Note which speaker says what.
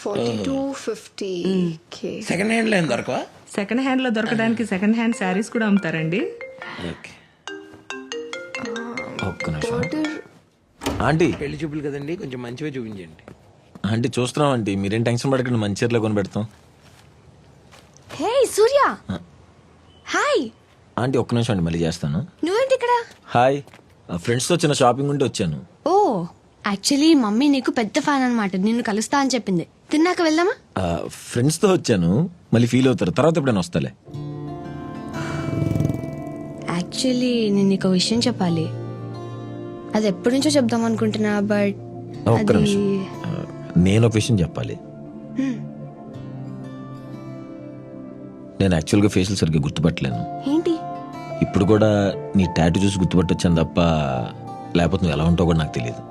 Speaker 1: 4250.
Speaker 2: Second hand లో ఏం దొరకవా?
Speaker 3: Second hand లో దొరకడానికి సెకండ్ హ్యాండ్ శారీస్ కూడా అమ్ముతారండి.
Speaker 2: ఓకే.
Speaker 4: ఒక్క నిమిషం
Speaker 1: Border.
Speaker 4: ఆంటీ.
Speaker 2: పెళ్లి చూపులు కదండి, కొంచెం మంచివే చూపించండి.
Speaker 4: ఆంటీ చూస్తున్నాం ఆంటీ, మీరేం టెన్షన్ పడకండి, మంచి చీరలో కొని పెడతాం.
Speaker 1: హే సూర్య. హాయ్.
Speaker 4: ఆంటీ ఒక్క నిమిషం అండి, మళ్ళీ చేస్తాను.
Speaker 1: నువ్వేంటి ఇక్కడ?
Speaker 4: హాయ్, ఫ్రెండ్స్తో చిన్న షాపింగ్ ఉంటే వచ్చాను.
Speaker 1: ఓ యాక్చువల్లీ మమ్మీ నీకు పెద్ద ఫ్యాన్ అన్నమాట, నిన్ను కలుస్తా అని చెప్పింది. తిన్నాక వెళ్దామా?
Speaker 4: ఫ్రెండ్స్తో వచ్చాను, మళ్ళీ ఫీల్ అవుతారు, తర్వాత ఎప్పుడైనా వస్తాలే.
Speaker 1: యాక్చువల్లీ నేను నీకు ఒక విషయం చెప్పాలి. అది ఎప్పటి నుంచో చెప్దాం అనుకుంటున్నా, బట్
Speaker 4: ఒక్క నిమిషం, నేను ఒక విషయం చెప్పాలి. నేను యాక్చువల్గా ఫేషియల్ సరిగ్గా గుర్తుపట్టలేను.
Speaker 1: ఏంటి?
Speaker 4: ఇప్పుడు కూడా నీ టాటూ చూసి గుర్తుపట్టొచ్చాను తప్ప, లేకపోతే నువ్వు ఎలా ఉంటావు కూడా నాకు తెలియదు.